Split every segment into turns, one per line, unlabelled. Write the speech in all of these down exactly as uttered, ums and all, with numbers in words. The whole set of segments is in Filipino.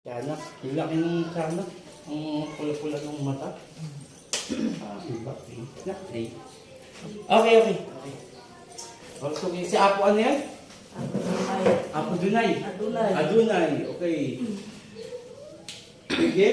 Kaya yung laki ng sana, ang pula-pula ng mata. Ah, iba, eh. Nak, eh. Okay, okay. Okay. Oh, so, si Apo ano yan? Apo Dunay.
Adunay.
Adunay, okay. Sige.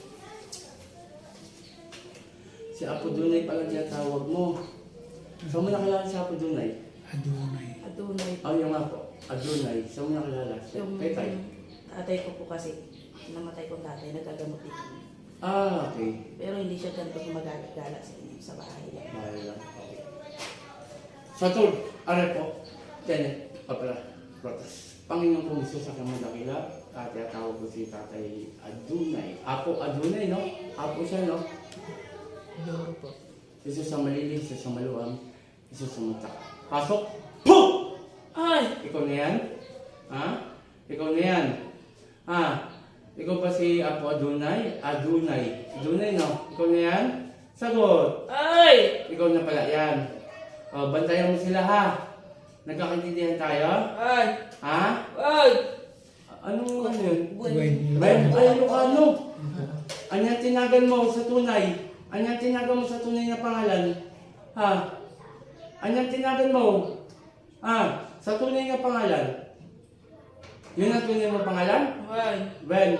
Si Apo Dunay pala tinatawag mo. Saan mo nakilala si Apo Dunay?
Adunay.
Adunay.
Oh, yung Apo. Adunay. Saan mo nakilala?
Yung
Kay Tay.
tatay ko po kasi, namatay kong tatay, nagkagamot dito.
Ah, okay.
Pero hindi siya ganito gumagala sa inyo, sa bahay niya.
Mahal lang. Okay. Sa tol, aray po. Tenet, papala, protas. Panginoon po Isus sa kamang dakila, at tawag ko si Tatay Adunay. Apo Adunay, no? Apo siya, no?
Loro po.
Isus sa malilim, Isus sa maluwang, Isus sa mata. Pasok! Pum!
Ay!
Ikaw na yan? Ha? Ikaw na yan? Ha? Ikaw ba si Apo Adunay? Adunay. Adunay, no? Ikaw na yan? Sagot!
Ay!
Ikaw na pala yan. O, bantayan mo sila, ha? Nagkakaintindihan tayo?
Ay!
Ha?
Ay!
Anong ano yun?
Gwen.
Ben, ay, Ilocano. Anyang tinagan mo sa tunay? Anyang tinagan mo sa tunay na pangalan? Ha? Anyang tinagan mo? Ha? Sa tunay na pangalan? Yun ang tunay mo pangalan?
Ay!
Ben.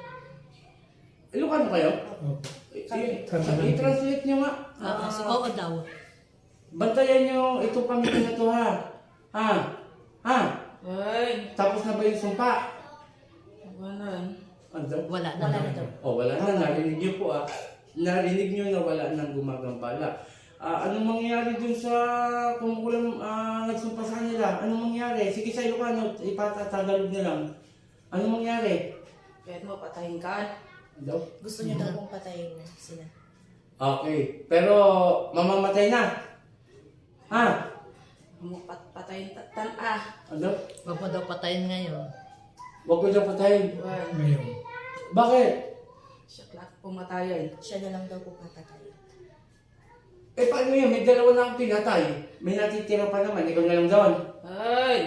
Ilocano kayo?
Opo.
I-
Kami.
i- I-translate nyo nga.
Oo,
Ah,
oo daw.
bantayan nyo itong pamilya na to, ha? Ha? Ha?
Ay!
Tapos na ba yung sumpa?
Wala.
Ano daw?
Wala na
Wala
daw.
na daw.
Oh, wala na. Narinig niyo po, ah. Narinig niyo na wala nang gumagambala. Ah, anong mangyari dun sa kung walang ah, nagsumpa sa kanila? Anong mangyari? Sige sa Ilocano, ipatatagalog na lang. Anong mangyari?
Kahit mo patayin ka.
Daw?
Gusto niyo daw kong patayin na sila.
Okay. Pero, mamamatay na. Ha?
Mo pat patayin tan ah.
Ano?
Huwag mo daw patayin ngayon.
Huwag ko na patayin.
Ay!
Ngayon.
Bakit?
Siya klak pumatayin.
Siya na lang daw kong papatayin.
Eh, paano yun? May dalawa na akong pinatay. May natitira pa naman. Ikaw na lang doon.
Ay!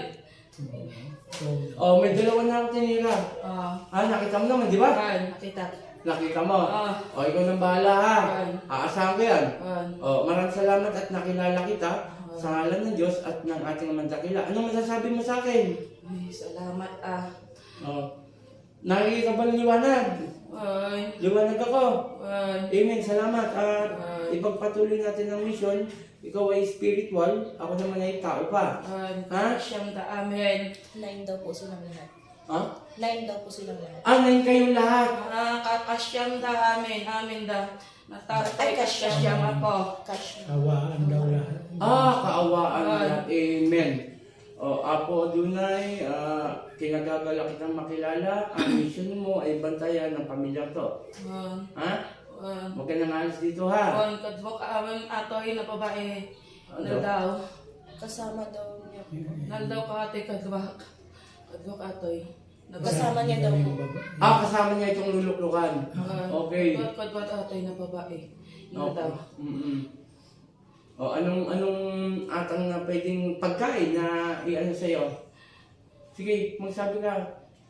Oh, may dalawa na akong tinira.
Ah!
Ah, nakita mo naman, di ba?
Ay! Nakita.
Nakita mo.
Ah!
O, ikaw nang bahala, ha?
Ay!
Aasahan ko yan.
Ay!
O, maraming salamat at nakilala kita sa ngalan ng Diyos at ng ating mandakila. Anong masasabi mo sa akin?
Ay! Salamat ah!
O, nakikita ba ng liwanag?
Ay!
Liwanag ako.
Ay!
Amen. Salamat. At
Ay!
ipagpatuloy natin ang mission. Ikaw ay spiritual. Ako naman ay tao pa.
Ay!
Ha?
Siyam da amen.
Nine daw po silang lahat.
Ha?
Nine daw po silang lahat.
Ah, ngayon kayong lahat.
Ah, kakasyam da amen. Amen da. Natatay kasyam ako.
Cash na.
Awaan daw lahat.
Ah, kaawaan
Ay.
lahat. Amen. O, Apo Adunay, ah, kinagagala kitang makilala. Ang mission mo ay bantayan ng pamilya to.
Ay!
Ha?
Ay!
Huwag ka nang alis dito, ha?
Ay! Kadwa ka amen atoy na babae.
Ano?
Naldaw.
Kasama daw niya.
Naldaw ka ate kadwa. Kadwa ka atoy.
Kasama niya daw po.
Ah, kasama niya itong luluklukan. Okay.
Kadwa kadwa atoy na babae.
Okay.
Naldaw.
Mm-mm. O, anong, anong atang na pwedeng pagkain na i-ano sa'yo? Sige, magsabi ka.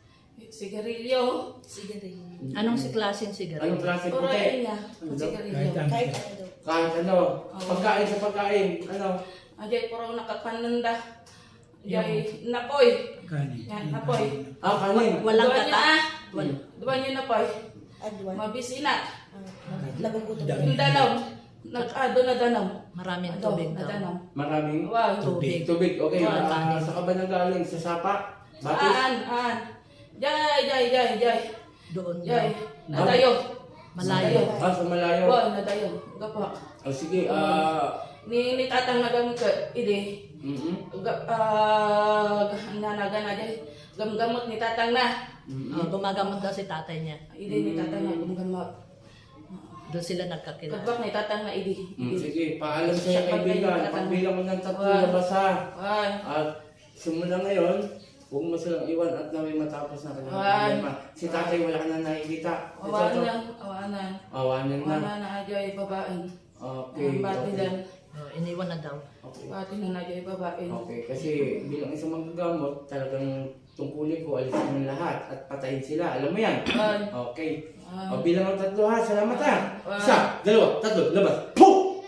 Sigarilyo.
Sige rin.
Anong si klaseng sigarilyo?
Anong klase
Puro
puti?
niya.
Ano daw?
Sigarilyo.
Kahit
Kahit ano daw.
Kahit ano. Pagkain sa pagkain. Ano?
Ajay puro nakakananda. Ajay napoy.
Kanin.
Yan, napoy.
Ah, kanin.
Walang
Duwan niyo
kata.
na.
Wal
Duwan niyo napoy.
Adwan.
Mabisina.
Ah, Nagugutom
Dami.
Yung danaw. Nag-ado na danaw.
Maraming
Ado,
tubig
na
daw.
danaw.
Maraming
Wow.
Tubig.
tubig. Okay.
Wala
Ah,
kanin.
sa ka ba nagaling? Sa sapa? Batis?
Aan, aan. Jay, jay, jay, jay.
Doon daw.
Jay. Nadayo.
Malayo.
Ah, sa malayo.
Wow, nadayo. Gapa.
Oh, sige. Ah,
Ni ni tatang nagamit ka, idi.
mm
Ga- Ah, nanaga na jay. Gamgamot ni tatang na.
Oh, gumagamot daw si tatay niya.
Idi ni tatang na gamgamot.
Doon sila nagkakilala.
Kadwak ni tatang na idi.
Mm,
Idi.
sige, paalam sa
Siya
kaibigan.
pag-
Pagbilang mo ng tatlo
Wow.
na basa.
Ay.
At simula ngayon, huwag mo silang iwan at naway matapos na kanilang
Ay.
problema. Si tatay wala ka na nakikita. Ito,
Awanan
to.
na, awanan.
Awanan na.
Awanan na ajay babaeng.
Okay.
Ang bati
Okay.
lang.
Oh, iniwan na daw.
Okay.
Bati na na ajay babaeng.
Okay. Kasi bilang isang manggagamot, talagang tungkulin ko, alisin mo lahat at patayin sila. Alam mo yan?
One.
Okay.
One.
O bilang ang tatlo ha. Salamat ha.
One.
Isa, dalawa, tatlo, labas. Puh!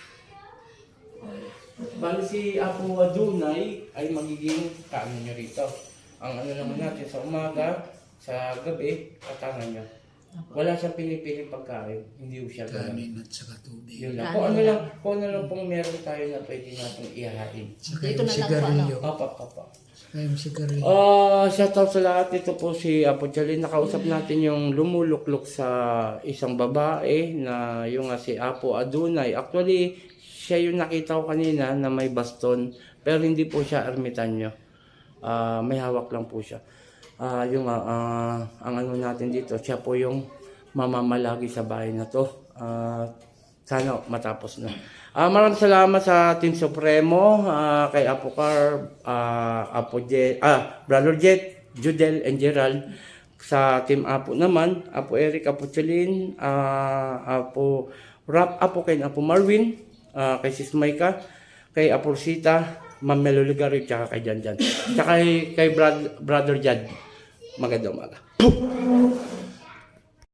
Bali si Apo Adunay ay magiging kaano nyo rito. Ang ano naman natin sa umaga, sa gabi, katangan nyo. Wala siyang pinipiling pagkain. Hindi ko siya ganun.
Kanin at saka tubig.
Yun lang.
Kanin
Kung ano
lang.
lang, kung ano lang pong meron tayo na pwede natin ihahain.
Saka
Dito
yung
na lang po,
sigarilyo.
Papa, papa.
Saka yung sigarilyo.
Ah, shoutout sa lahat. Ito po si Apo Chalin. Nakausap natin yung lumuluklok sa isang babae na yung nga si Apo Adunay. Actually, siya yung nakita ko kanina na may baston. Pero hindi po siya ermitanyo. Ah, may hawak lang po siya. Ah, yung ah, ang ano natin dito, siya po yung mamamalagi sa bahay na to. Ah, sana matapos na. Ah, maraming salamat sa Team Supremo, ah, kay Apo Car, ah, Apo Jet, ah, Brother Jet, Judel and Gerald. Sa Team Apo naman, Apo Eric, Apo Chalin, ah, Apo Rap, Apo Ken, Apo Marvin, ah, kay Sis Maika, kay Apo Rosita, Ma'am Melo Ligario, tsaka kay Jan Jan. Tsaka kay, kay Brad, Brother Jad. Magandang umaga.